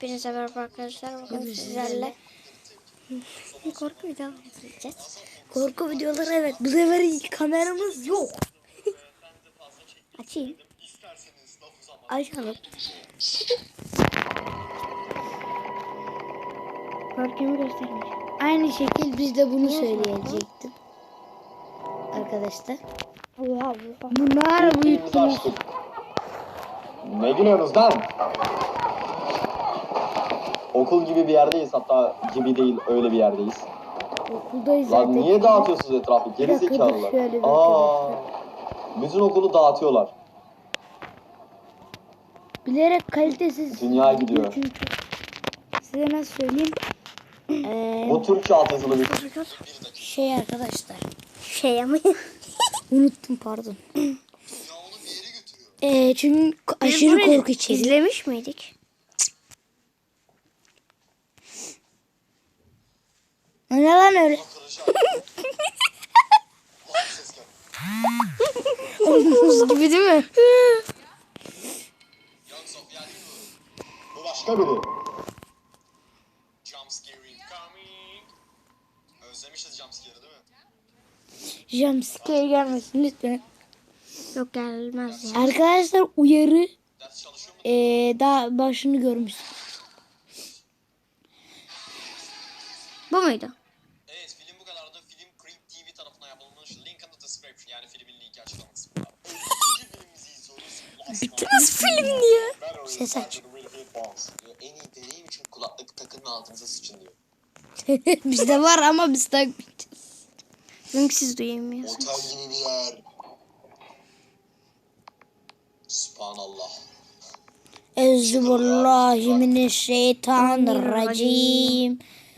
Hepinize merhaba arkadaşlar. Bugün sizlerle korku videoları izleyeceğiz. Korku videoları, evet. Bu sefer kameramız yok. Açayım. Açalım. Korkumu göstermiş. Aynı şekil biz de bunu söyleyecektim. Arkadaşlar. Allah. Bunlar büyüttünüz. Ne gülüyorsunuz lan? Okul gibi bir yerdeyiz, hatta gibi değil, öyle bir yerdeyiz. Okuldayız zaten. Lan niye dağıtıyorsunuz etrafı? Geri Bir dakika, zekalılar. dur şöyle bir Bütün okulu dağıtıyorlar. Bilerek kalitesiz. Dünya gidiyor. Çünkü size nasıl söyleyeyim? Bu Türkçe altyazılı bir Şey arkadaşlar. Şey ama. Unuttum, pardon. Çünkü aşırı korku içeriyor. İzlemiş miydik? O ne lan öyle? Omuz gibi değil mi? Bu başka biri. Özlemişiz jumpscare'ı değil mi? Jumpscare gelmesin lütfen. Yok gelmez ya. Arkadaşlar uyarı. Ders çalışıyor mu? Daha başını görmüşsün. Bu muydu? Evet, film bu kadardı. Film Creep TV tarafından yapılmış. Link in the description, yani filmin linki açıklama kısmında. İkinci filmimizi izliyoruz. Nasıl film diyor? Ses aç. En iyi deneyim için kulaklık takın ve altınıza sıçın diyor. Bizde var ama biz takmayacağız. Çünkü siz duyamıyorsunuz. Otel gibi bir yer. Subhanallah. Euzubillahimineşşeytanirracim.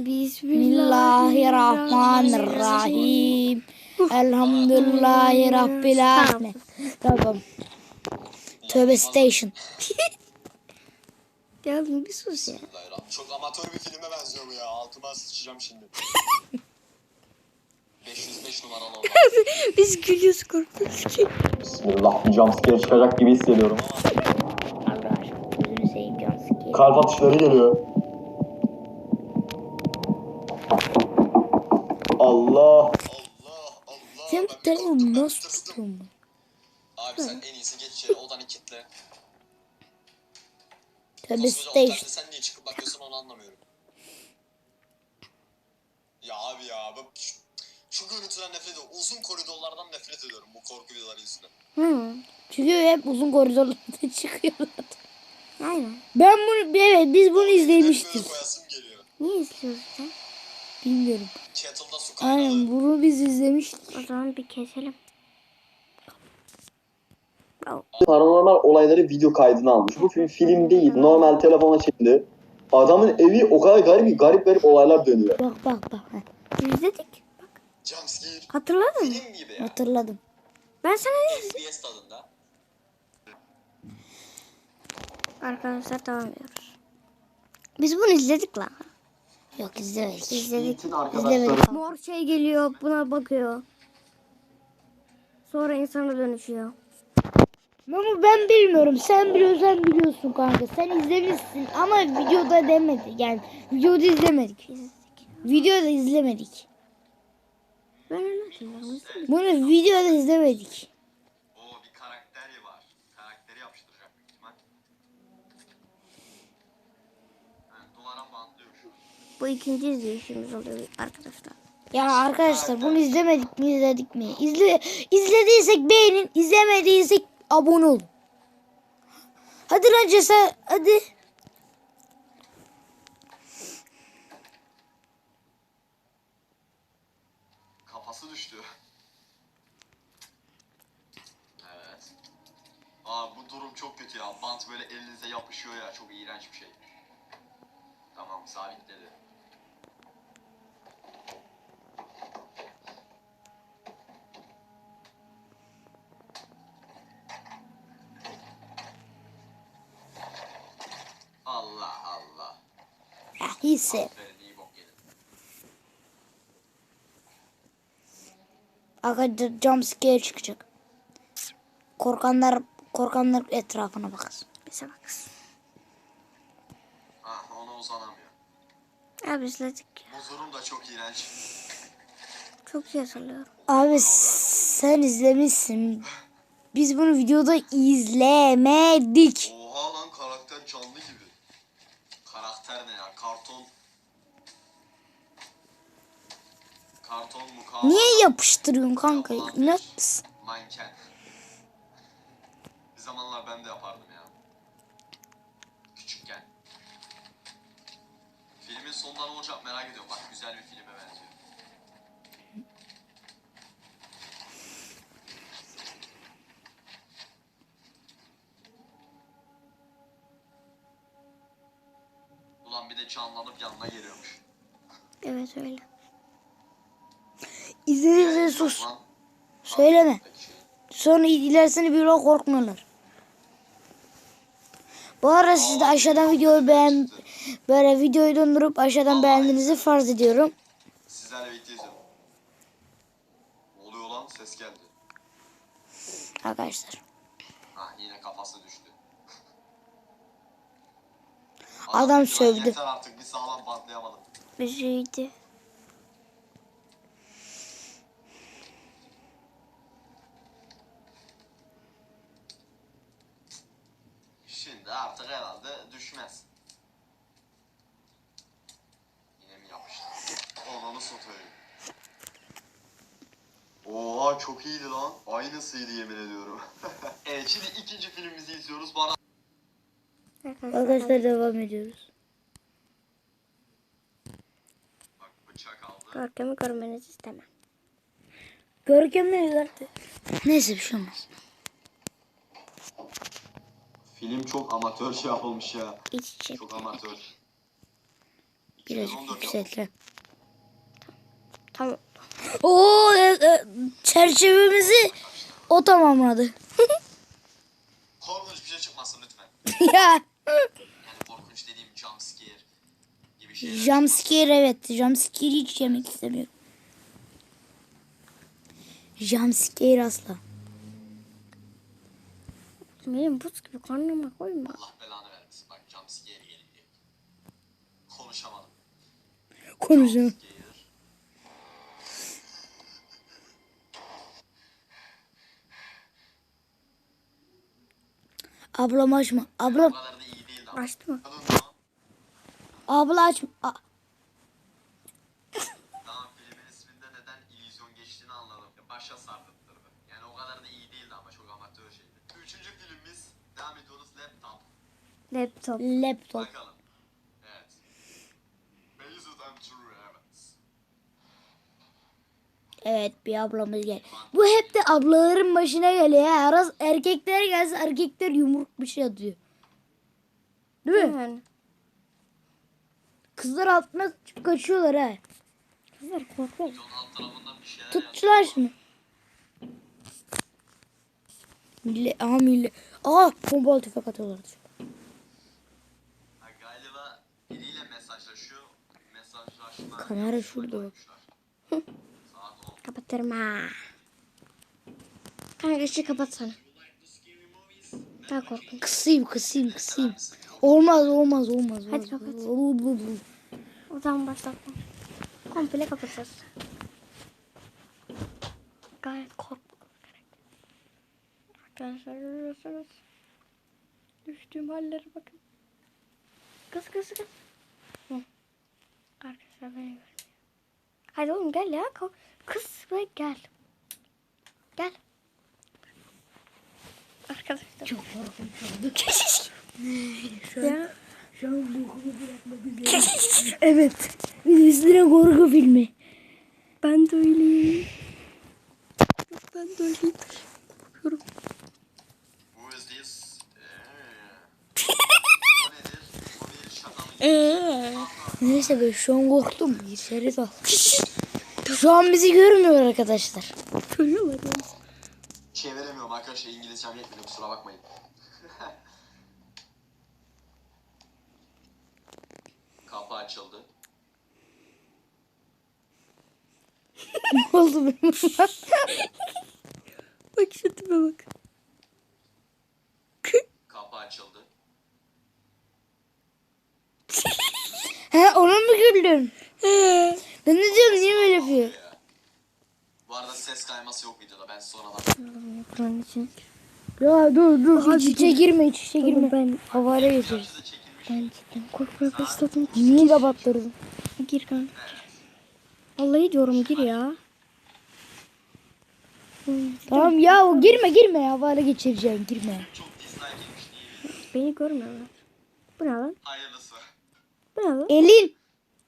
Bismillahirrahmanirrahim. Elhamdülillahi Rabbil alemin. Tamam. Tövbe station. Ya bir sus ya. Çok amatör bir filme benziyor bu ya. Altıma sıçacağım şimdi. 505 numaralı olan. Biz gülüyoruz korkuyoruz ki. Bismillah, bir jumpscare çıkacak gibi hissediyorum ama. Allah aşkına gözünü seveyim jumpscare. Kalp atışları geliyor. Allah. Sen telefonu nasıl tutuyorsun? Abi sen en iyisi geç içeri, odanı kilitle. Tövbe Koskoca otelde station. sen niye çıkıp bakıyorsun onu anlamıyorum. Ya abi ya, şu görüntüden nefret ediyorum. Uzun koridorlardan nefret ediyorum bu korku videoları yüzünden. Çünkü hep uzun koridorlarda çıkıyorlar. Aynen. Ben bunu, evet biz bunu izlemiştik. Böyle koyasım geliyor. Niye izliyoruz sen? Bilmiyorum. Kettle'da su kaynağı. Aynen bunu biz izlemiştik. O zaman bir keselim. Paranormal olayları video kaydına almış. Bu film değil. Normal telefona çekildi. Adamın evi o kadar garip olaylar dönüyor. Bak. İzledik. Bak. Jumpscare. Hatırladın mı? Film gibi ya. Hatırladım. Ben sana ne dedim? SBS tadında. Arkadaşlar devam ediyoruz. Biz bunu izledik lan. Yok izlemedik. İzledik. Bütün arkadaşlarım. Mor şey geliyor, buna bakıyor. Sonra insana dönüşüyor. Ama ben bilmiyorum. Sen biliyorsun kanka. Sen izlemişsin ama videoda demedi. Yani videoda izlemedik. Videoda izlemedik. Ben öyle hatırlıyorum. Bunu videoda izlemedik. Oo, bir karakteri var. Karakteri yapıştıracak büyük ihtimal. Yani duvara bantlıyor şu an. Bu ikinci izleyişimiz oluyor arkadaşlar. Ya arkadaşlar bunu izlemedik mi izledik mi? İzlediysek beğenin, izlemediysek abone olun. Hadi lan cesaret, hadi. Kafası düştü. Evet. Aa, bu durum çok kötü ya. Bant böyle elinize yapışıyor ya. Çok iğrenç bir şey. Tamam, sabitledi. Allah Allah. Ya hisse. Aferin, iyi bok yedin. Arkadaşlar jumpscare çıkacak. Korkanlar etrafına bakasın. Bize baksın. Ah, sona uzanamıyor. Abi izledik. Bu durum da çok iğrenç. Çok iyi hatırlıyorum. Abi sen izlemişsin. Biz bunu videoda izlemedik. Oha lan, karakter canlı gibi. Karakter ne ya? Karton. Karton mukavva. Niye yapıştırıyorsun kanka? İnat mısın? Manken. Bir zamanlar ben de yapardım ya. Küçükken. Filmin sonunda ne olacak merak ediyorum. Bak, güzel bir filme benziyor. Ulan bir de canlanıp yanına geliyormuş. Evet öyle. İzlediğinizde sus. Lan, Söyleme. peki. Sonra ilerisini bir o korkmuyorlar. Bu arada siz de aşağıdan videoyu böyle videoyu dondurup aşağıdan beğendiğinizi farz ediyorum. Sizlerle birlikte izliyorum. Ne oluyor lan? Ses geldi. Arkadaşlar. Ah, yine kafası düştü. Adam lan sövdü. Yeter artık, bir sağlam patlayamadım. Üzüydü. Şimdi artık herhalde düşmez. Yine mi yapıştı? Ananı satayım. Oha, çok iyiydi lan. Aynısıydı yemin ediyorum. Evet, şimdi ikinci filmimizi izliyoruz. Bana Arkadaşlar devam ediyoruz. bak, bıçak aldı. Görkem'i görmenizi istemem. Görkem ne zaten? Neyse bir şey olmaz. Film çok amatör şey yapılmış ya. İç içe. Çok amatör. Birazcık 2014 yapılmış. yükseltelim. Tamam. Oo, çerçevemizi o tamamladı. Korkunç bir şey çıkmasın lütfen. Ya. Yani korkunç dediğim jump scare gibi şeyler. Jumpscare, evet. Jumpscare hiç yemek istemiyorum. Jumpscare asla. Benim buz gibi karnıma koyma. Allah belanı vermesin. Bak, jump scare geliyor. Konuşamadım. Konuşalım. Jump scare. Ablam açma. O Ablam. kadar da iyi değildi ama. Açtı mı? Abla açma. Tamam, filmin isminde neden illüzyon geçtiğini anladım. Başa sardırttırdı. Yani o kadar da iyi değildi ama çok amatör şeydi. Üçüncü filmimiz, devam ediyoruz, Laptop. Laptop. Laptop. Bakalım. Evet. Based on true events. Evet, bir ablamız gel. Bu hep de ablaların başına geliyor ya. Aras erkekler gelse erkekler yumruk bir şey atıyor. Değil mi? Yani. Kızlar altına çıkıp kaçıyorlar ha. Kızlar korkuyor. Videonun alt tarafından bir şeyler Tuttular şimdi. Millet. Aa, pompalı tüfek atıyorlar. Ha, galiba biriyle mesajlaşıyor. Mesajlaşma. Kamera şurada bak. Saat 10. Kapatırım ha. Kanka ışığı kapatsana. Daha korkunç. Kısayım. Olmaz. Hadi kapat. O zaman başlatma. Komple kapatacağız. Gayet korkma. Arkadaşlar görüyorsunuz. Düştüğüm hallere bakın. Kız. Hı. Arkadaşlar beni görmüyor. Hadi oğlum gel ya. Kız ve gel. Gel. Arkadaşlar. Çok korkunç. Ya. Şu an bokumu bırakmak üzere. Evet. Bir üstüne korku filmi. Ben de öyleyim. Ben de öyleyim. Korkuyorum. Who is this? O nedir? Bu bir şaka mı? Neyse ben şu an korktum. İçeri dal. Şu an bizi görmüyor arkadaşlar. Görüyorlar ya. Çeviremiyorum arkadaşlar, İngilizcem yetmedi, kusura bakmayın. Kapı açıldı. Ne oldu benim? Bak şu tipe bak. Kapı açıldı. güldün? Ben ne diyorum, niye böyle yapıyor? Bu arada ses kayması yok videoda. Ben sonradan. Kur'an için. Ya dur Abi iç içe girme, iç içe girme. Ben Havale geçeriz. Size çekilmiş. ben cidden korkmaya başladım. Niye kapattırdın? Gir kanka. Vallahi diyorum gir ya. Tamam ya, girme ya, havale geçireceğim, girme. Çok dislike yemiş. Niye? Beni görmüyorlar. Bu ne lan? Hayırlısı. Bu ne lan? Elin.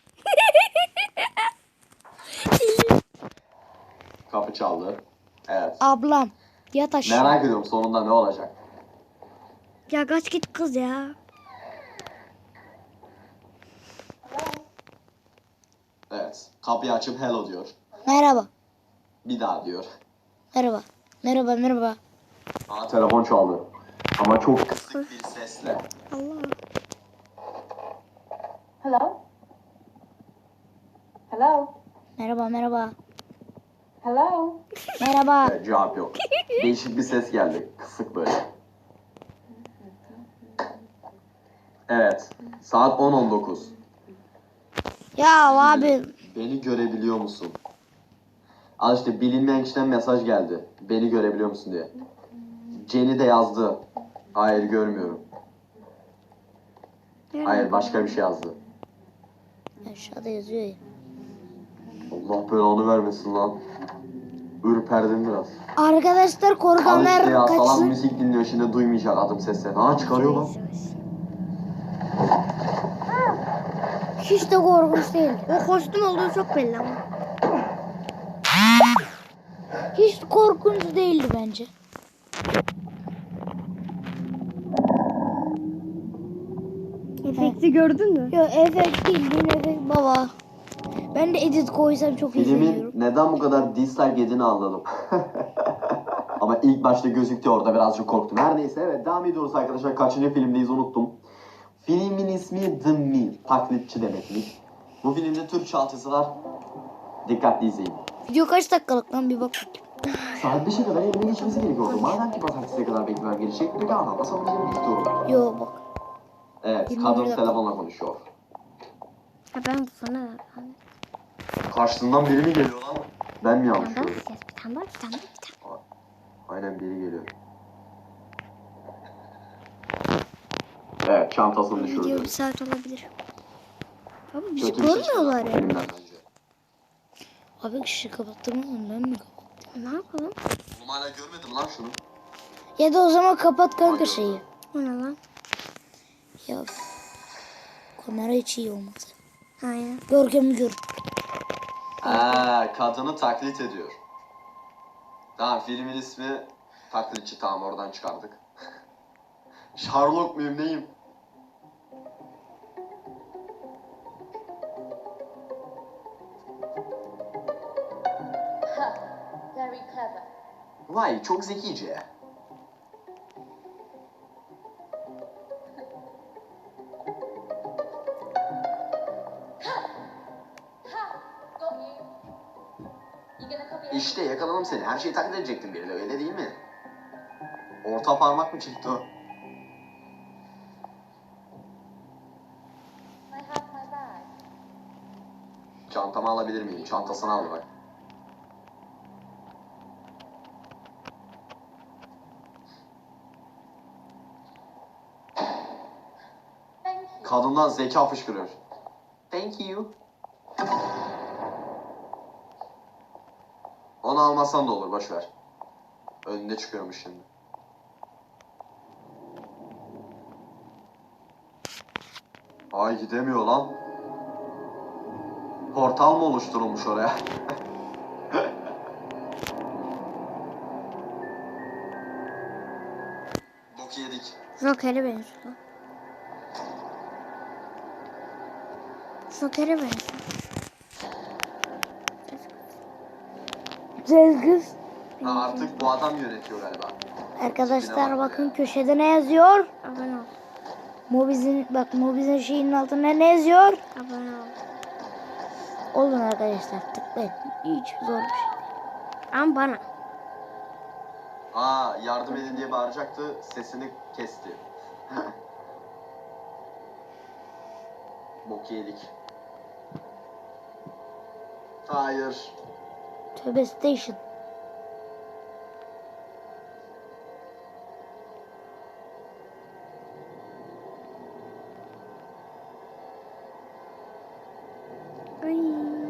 Kapı çaldı. Evet. Ablam yat aşağı. Merak ediyorum sonunda ne olacak. Ya kaç git kız ya. Evet. Kapıyı açıp hello diyor. Merhaba. Bir daha diyor. Merhaba. Aa, telefon çaldı. Ama çok kısık bir sesle. Allah. Hello? Hello? Merhaba. Hello? Merhaba. Evet, cevap yok. Değişik bir ses geldi. Kısık böyle. Evet. Saat 10:19. Ya abi. Beni görebiliyor musun? Al işte bilinmeyen kişiden mesaj geldi. Beni görebiliyor musun diye. Jenny de yazdı. Hayır görmüyorum. Hayır başka bir şey yazdı. Aşağıda yazıyor ya. Allah belanı vermesin lan. Ürperdim biraz. Arkadaşlar Al işte korkanlar ya salak kaçsın. müzik dinliyor şimdi duymayacak adım seslerini. Ha çıkarıyor lan. Hiç de korkunç değildi. O kostüm olduğu çok belli ama. Hiç korkunç değildi bence. Efekti gördün mü? Yo, efekt değil, efekt baba. Ben de edit koysam çok iyi Filmin seviyorum. neden bu kadar dislike yediğini anladım. Ama ilk başta gözüktü orada birazcık korktum. Her neyse evet devam ediyoruz arkadaşlar. Kaçıncı filmdeyiz unuttum. Filmin ismi The Mill. Taklitçi demekmiş. Bu filmde Türkçe altyazı var. Dikkatli izleyin. Video kaç dakikalık lan, bir bak. Saat 5'e kadar elime geçmesi gerekiyordu. Madem ki pazartesiye kadar beklemem gerekecek. Peki anlatmasam bizim istiyorum. Yo bak. Evet 21 kadın dakika. telefonla konuşuyor. Ha ben sana. Karşısından biri mi geliyor lan? Ben mi yanlış Bir tane gördüm? daha ses. Bir tane daha. Bir tane daha. Aynen biri geliyor. Evet çantasını Video bir düşürdü. saat olabilir. Abi bizi Kötü bir şey görmüyorlar çıktı ya. filmden bence. Abi ışığı kapattım oğlum, ben mi kapattım? Ne yapalım? Oğlum hala görmedim lan şunu. Ya da o zaman kapat kanka şeyi. O ne lan? Ya kamera hiç iyi olmadı. Aynen. Görkem'i gör. Kadını taklit ediyor. Tamam filmin ismi taklitçi tamam oradan çıkardık. Sherlock muyum neyim? Very clever. Vay çok zekice. Got you. You gonna copy İşte yakaladım seni. Her şeyi taklit edecektin biriyle öyle değil mi? Orta parmak mı çıktı o? I have my bag. Çantamı alabilir miyim? Çantasını aldı bak. Thank you. Kadından zeka fışkırıyor. Thank you. Onu almazsan da olur boş ver. Önünde çıkıyormuş şimdi. Ay gidemiyor lan. Portal mı oluşturulmuş oraya? Bok yedik. Joker'e benziyor. Joker'e benziyor. Güzel kız. Ha, artık bu adam yönetiyor galiba. Arkadaşlar bakın köşede ne yazıyor? Abone ol. Mobiz'in şeyinin altına ne yazıyor? Abone ol. Olun arkadaşlar, tıklayın. Hiç zor bir şey. Ama bana. Aa yardım edin diye bağıracaktı. Sesini kesti. Bok yedik. Hayır. Tövbe station. Ay.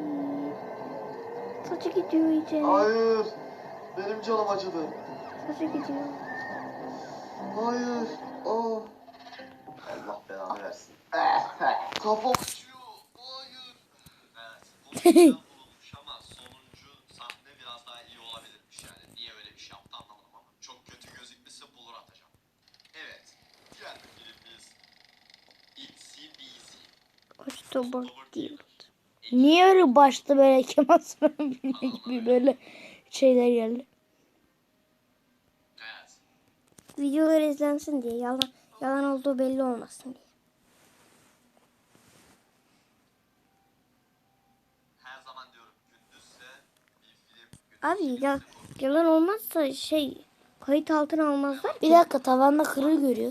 Saçı gidiyor iyice. Hayır. Benim canım acıdı. Saçı gidiyor. Hayır. Oh. Allah belanı versin. Kafam acıyor. Hayır. Evet. Bu yüzden bulunmuş ama sonuncu sahne biraz daha iyi olabilirmiş yani. Niye öyle bir şey yaptı anlamadım ama. Çok kötü gözükmüşse bulur atacağım. Evet. Diğer bir filmimiz Itsy Bitsy. October Guild. Niye öyle başta böyle Kemal Sunal filmi gibi böyle şeyler geldi? Evet. Videolar izlensin diye. Yalan olduğu belli olmasın diye. Her zaman diyorum gündüzse bir film Abi yalan olmazsa kayıt altına almazlar Bir ki. dakika, tavanda kırığı görüyor.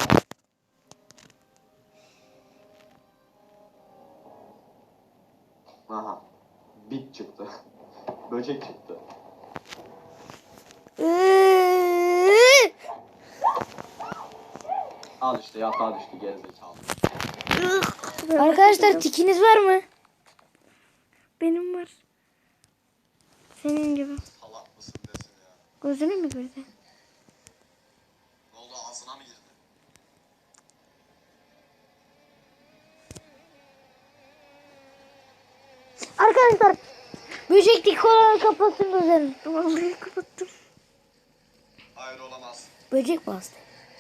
Aha. Bit çıktı. Böcek çıktı. Al işte yatağa düştü gerizekalı. Arkadaşlar tikiniz var mı? Benim var. Senin gibi. Salak mısın desin ya. Gözüne mi girdi? Ne oldu ağzına mı girdi? Arkadaşlar böceklik kolaları kapatsın gözlerini. Vallahi kapattım. Hayır olamaz. Böcek bastı.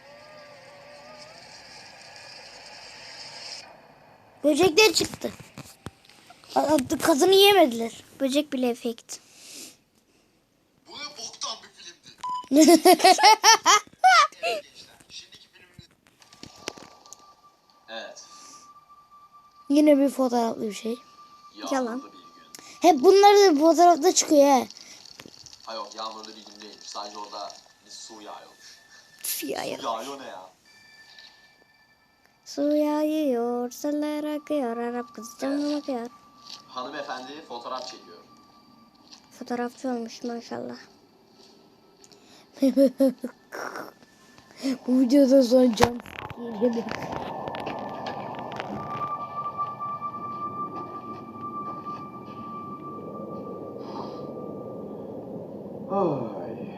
Böcekler çıktı. Kazını yemediler. Böcek bile efekt. Bu ne boktan bir filmdi. Evet gençler. Şimdiki filmimiz... Evet. Yine bir fotoğraflı bir şey. Yalan. Yağmurlu bir gün. Hep bunlar da fotoğrafta çıkıyor he. Ha yok yağmurlu bir gün değilmiş. Sadece orada bir su yağıyormuş. Siyah. Yağıyor ne ya? Su yağıyor, seller akıyor, Arap kızı camdan bakıyor. Hanımefendi fotoğraf çekiyor. Fotoğrafçı olmuş maşallah. Bu videoda son can geliyor. Ay.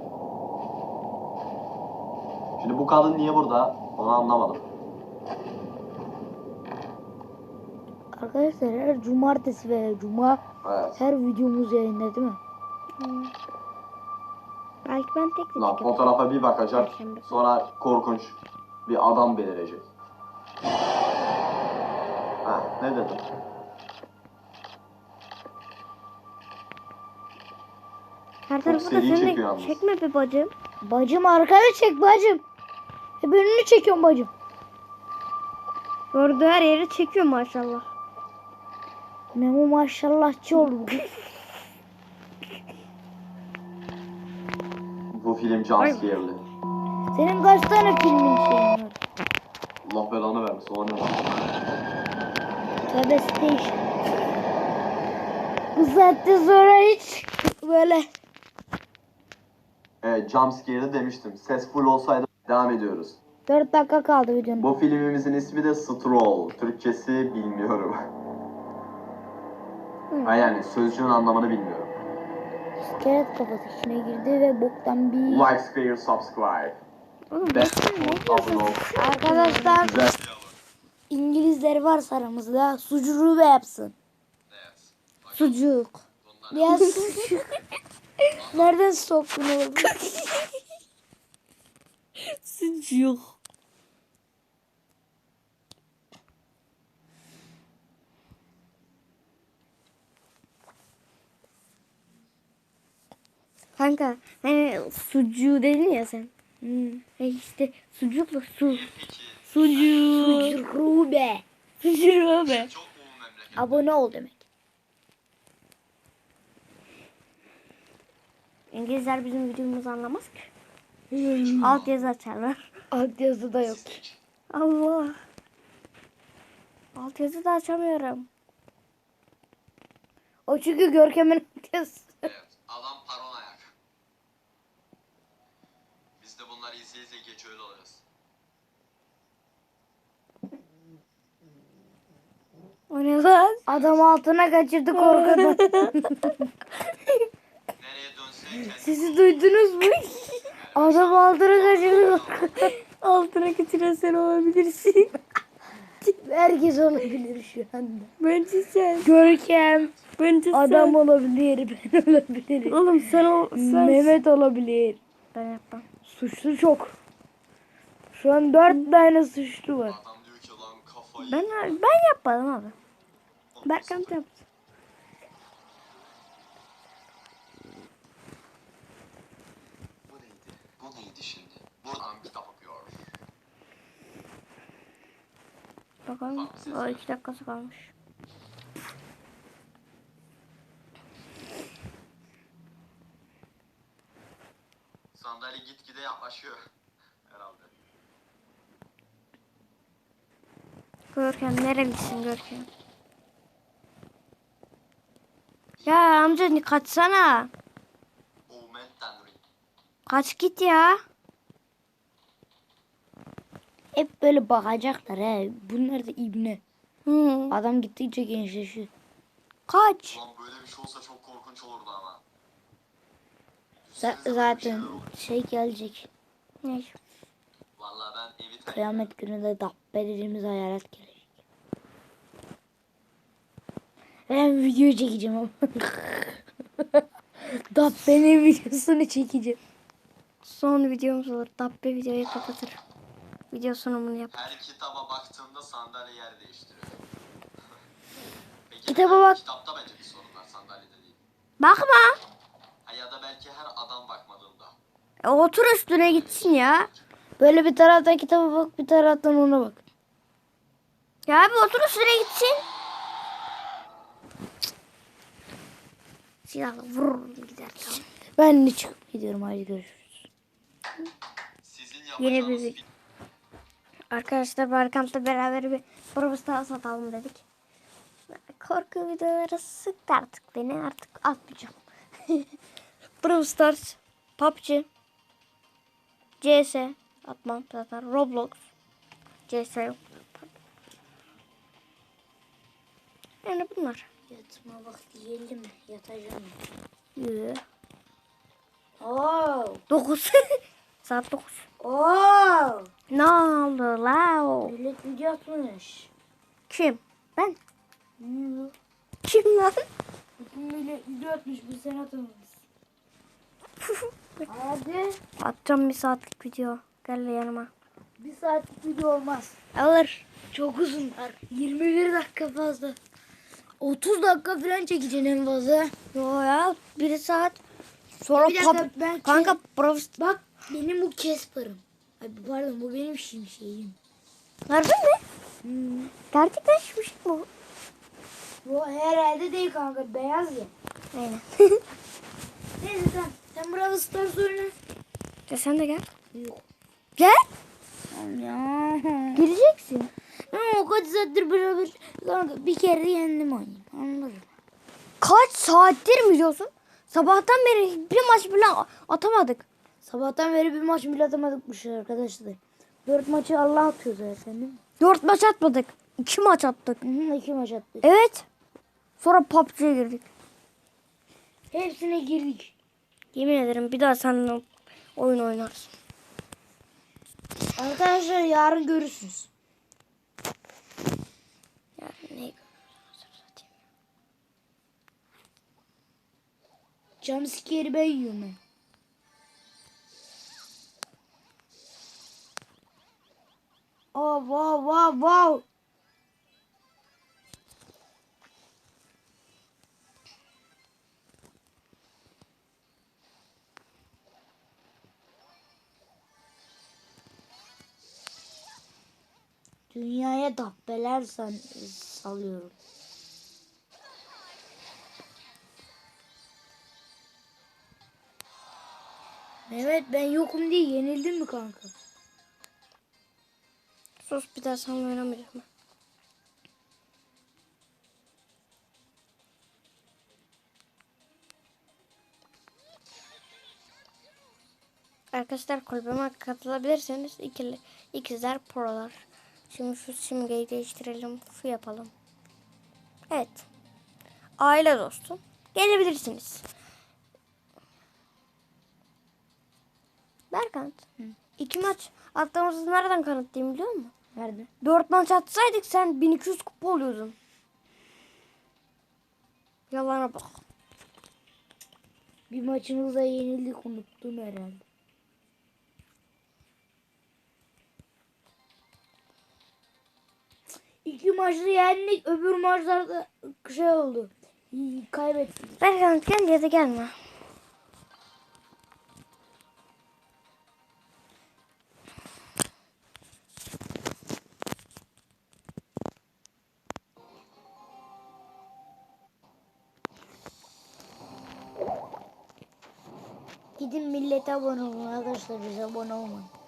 Şimdi bu kadın niye burada? Onu anlamadım. Arkadaşlar her cumartesi ve cuma Evet. her videomuz yayında değil mi? Belki ben tek Lan tek fotoğrafa bir bakacak. Perşembe. Sonra korkunç bir adam belirecek. Ha, ne dedim? Her tarafı da seri sen çekiyor de yalnız. çekme be bacım. Bacım arkada çek bacım. Hep önünü çekiyorum bacım. Gördüğü her yeri çekiyor maşallah. Memo maşallahçı oldu bugün. Bu film jumpscare'li. Senin kaç tane filmin şeyin var? Allah belanı vermesin. O ne lan? Tövbe station. Bu saatte sonra hiç böyle. Evet jumpscare'li demiştim. Ses full olsaydı devam ediyoruz. 4 dakika kaldı videonun. Bu filmimizin ismi de Stroll. Türkçesi bilmiyorum. Ha yani sözcüğün anlamını bilmiyorum. İskelet kafası içine girdi ve boktan bir... Like, share, subscribe. Oğlum Ben bakın abone ol. Arkadaşlar Güzel. İngilizler varsa aramızda sucuğu ve yapsın. sucuk. Ya sucuk. Nereden soktun oğlum? Sucuk. Kanka hani sucuğu dedin ya sen. İşte sucukla su. Sucuk. Sucuğu be. Sucuk be. Abone ol demek. İngilizler bizim videomuzu anlamaz ki. Alt yazı açarlar. Alt yazı da yok. Allah. Alt yazı da açamıyorum. O çünkü Görkem'in kız. Evet, adam paranoyak. Biz de bunları izleye izleye geç öyle olacağız. O ne lan? Adam altına kaçırdı korkudan. Nereye dönse kendi Sizi duydunuz mu? Adam altına kaçırdı korkudan. Altına getiren sen olabilirsin. Herkes olabilir şu anda. Bence sen. Görkem. Bence Adam sen. olabilir. Ben olabilirim. Oğlum sen ol. Sen. Mehmet olabilir. Ben yapmam. Suçlu çok. Şu an 4 tane suçlu var. adam diyor ki lan kafayı. Ben yapmadım abi. Berkan yaptı. Bu neydi? Bu neydi şimdi? Buradan kitap okuyor. Bakalım. O 2 dakikası kalmış. Sandalye gitgide yaklaşıyor. Herhalde. Görkem nerelisin Görkem? Ya amca kaçsana. Omen Tanrı. Kaç git ya. Hep böyle bakacaklar he. Bunlar da ibne. Hı. Adam gittikçe gençleşiyor. Kaç. Ulan böyle bir şey olsa çok korkunç olurdu ama. Zaten şey gelecek. Ne? Vallahi ben evi Kıyamet günü de dabbe dediğimiz hayalet gelecek. Ben video çekeceğim ama. Dabbe'nin videosunu çekeceğim. Son videomuz olur. Dabbe videoyu kapatır. Video sunumunu yap. her kitaba baktığında sandalye yer değiştiriyor. Peki Kitaba bak. Kitapta bence bir sorun var sandalyede değil. Bakma. Ha, ya da belki her adam bakmadığında. Otur üstüne gitsin ya. Böyle bir taraftan kitaba bak, bir taraftan ona bak. Ya abi otur üstüne gitsin. Silahla vurur gider tamam. Ben de çıkıp gidiyorum. Hadi görüşürüz. Sizin Yeni yapacağınız bir Arkadaşlar Berkant'la beraber bir Brawl Stars atalım dedik. Korku videoları sıktı artık beni. Artık atmayacağım. Brawl Stars, PUBG, CS atmam zaten. Roblox, CS yok. Yani bunlar. Yatma vakti geldi mi? Yatacağım. Yürü. Oo. 9. Saat 9. Oo. Ne oldu la o? Millet video atmış. Kim? Ben. Hmm. Kim lan? Millet video atmış. Bir sen atamamışsın. Hadi. Atacağım bir saatlik video. Gel yanıma. Bir saatlik video olmaz. Alır. Çok uzunlar. 21 dakika fazla. 30 dakika falan çekeceksin en fazla. Yo ya 1 saat. Sonra Bir dakika, ben kanka Brawl Bak benim bu Casper'ım. Ay pardon bu benim şimşeğim. Harbi mi? Gerçekten şişmiş bu. Bu herhalde değil kanka beyaz ya. Aynen. Neyse sen Brawl Stars oyna. Ya sen de gel. Yok. Gel. Ya. Gireceksin. O kaç saattir beraber kanka bir kere yendim oyunu. Anladım. Kaç saattir mi diyorsun? Sabahtan beri bir maç bile atamadık. Sabahtan beri bir maç bile atamadıkmış arkadaşlar. 4 maçı Allah atıyor zaten değil mi? 4 maç atmadık. 2 maç attık. Hı hı, 2 maç attık. Evet. Sonra PUBG'ye girdik. Hepsine girdik. Yemin ederim bir daha seninle oyun oynarız. Arkadaşlar yarın görürsünüz. Yani ne? Jumpscare'i ben yiyorum ben. Oh wow wow wow. Dünyaya dabbeler salıyorum. Mehmet ben yokum diye yenildin mi kanka? Sus bir daha seninle oynamayacağım ben. Arkadaşlar kulübüme katılabilirseniz ikizler prolar. Şimdi şu simgeyi değiştirelim. Şu yapalım. Evet. Aile dostu. Gelebilirsiniz. Berkant. 2 maç attığımızı nereden kanıtlayayım biliyor musun? Nerede? 4 maç atsaydık sen 1200 kupa oluyordun. Yalana bak. Bir maçımızda yenildik, unuttun herhalde. İki maçta yendik, öbür maçlarda şey oldu. Kaybettik. Berkant gel ya da gelme. Gidin millete abone olun arkadaşlar, bize abone olmayın.